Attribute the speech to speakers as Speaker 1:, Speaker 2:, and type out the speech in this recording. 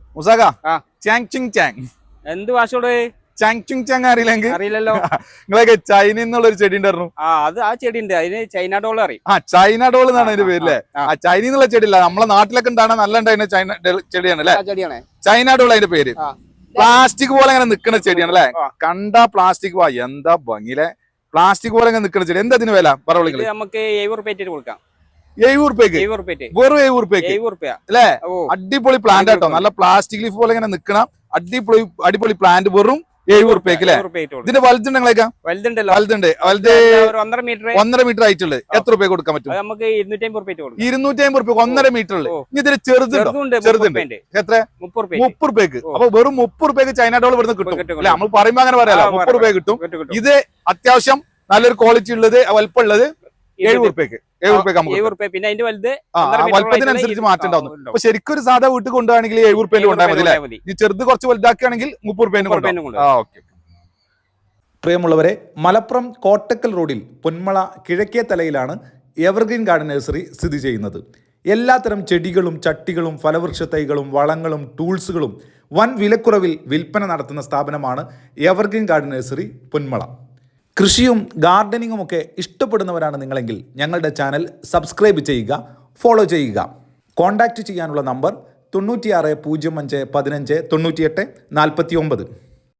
Speaker 1: മുസാക Chang Chang
Speaker 2: എന്ത് ഭാഷയോട്
Speaker 1: Chang Chang അറിയില്ലെങ്കിൽ
Speaker 2: അറിയില്ലല്ലോ.
Speaker 1: നിങ്ങളൊക്കെ ചൈന എന്നുള്ള ഒരു ചെടി ഉണ്ടായിരുന്നു.
Speaker 2: ആ ചെടി ഉണ്ട്, അതിന് ചൈന ഡോൾ അറിയും.
Speaker 1: ചൈന ഡോൾ എന്നാണ് അതിന്റെ പേര് അല്ലേ? ചൈന എന്നുള്ള ചെടി ഇല്ല, നമ്മളെ നാട്ടിലൊക്കെ ഉണ്ടാണ് നല്ല ഉണ്ടായിരുന്ന ചൈന ചെടിയാണ് അല്ലെ? ചൈന ഡോൾ അതിന്റെ പേര്. പ്ലാസ്റ്റിക് പോലെ അങ്ങനെ നിൽക്കുന്ന ചെടിയാണ് അല്ലെ? കണ്ടാ പ്ലാസ്റ്റിക് എന്താ ഭംഗിയിലെ പ്ലാസ്റ്റിക് പോലെ അങ്ങനെ നിൽക്കുന്ന ചെടി. എന്താ അതിന് വില പറയുക?
Speaker 2: നമുക്ക് 70 റുപ്യ കൊടുക്കാം.
Speaker 1: 70 റുപ്യക്ക് വെറും 70 റുപ്യക്ക് അല്ലെ? അടിപൊളി പ്ലാന്റ് കേട്ടോ, നല്ല പ്ലാസ്റ്റിക് ലീഫ് പോലെ ഇങ്ങനെ നിൽക്കണം അടിപൊളി പ്ലാന്റ് വെറും 70 റുപ്യക്ക് അല്ലെ? ഇതിന്റെ വലുതുണ്ടെങ്കിലൊക്കെ വലുതുണ്ട് 1.5 മീറ്റർ ആയിട്ടുള്ളത് എത്ര റുപ്യ കൊടുക്കാൻ പറ്റും?
Speaker 2: നമുക്ക് 250 റുപ്യ
Speaker 1: 1.5 മീറ്റർ ഉള്ളു. ഇതിന് ചെറുതുണ്ട് എത്ര? 30 റുപ്യക്ക്. അപ്പൊ വെറും 30 റുപ്യക്ക് ചൈന ഡോൾ ഇവിടുന്ന് കിട്ടും അല്ലെ? നമ്മൾ പറയുമ്പോ അങ്ങനെ പറയാലോ, 30 റുപ്യ കിട്ടും. ഇത് അത്യാവശ്യം നല്ലൊരു ക്വാളിറ്റി ഉള്ളത് വലിപ്പം ഉള്ളത് 70 റുപ്യക്ക്. 70 റുപ്യ പിന്നെ അതിന്റെ വലുപ്പത്തിനനുസരിച്ച് മാറ്റം ഉണ്ടാവുന്നു. അപ്പൊ ശരിക്കും ഒരു സാധാ വീട്ടിൽ കൊണ്ടുപോകണമെങ്കിൽ 70 റുപ്യയിൽ കൊണ്ടുപോയാൽ മതി. ഈ ചെറുത് കുറച്ച് വലുതാക്കുകയാണെങ്കിൽ 30 റുപ്യ.
Speaker 3: പ്രിയമുള്ളവരെ, മലപ്പുറം കോട്ടക്കൽ റോഡിൽ പൊന്മള കിഴക്കേ തലയിലാണ് എവർഗ്രീൻ ഗാർഡൻ നഴ്സറി സ്ഥിതി ചെയ്യുന്നത്. എല്ലാത്തരം ചെടികളും ചട്ടികളും ഫലവൃക്ഷ തൈകളും വളങ്ങളും ടൂൾസുകളും വൻ വിലക്കുറവിൽ വിൽപ്പന നടത്തുന്ന സ്ഥാപനമാണ് എവർഗ്രീൻ ഗാർഡൻ നഴ്സറി പൊന്മള. കൃഷിയും ഗാർഡനിങ്ങും ഒക്കെ ഇഷ്ടപ്പെടുന്നവരാണ് നിങ്ങളെങ്കിൽ ഞങ്ങളുടെ ചാനൽ സബ്സ്ക്രൈബ് ചെയ്യുക, ഫോളോ ചെയ്യുക. കോൺടാക്റ്റ് ചെയ്യാനുള്ള നമ്പർ 96 05 15 98 49.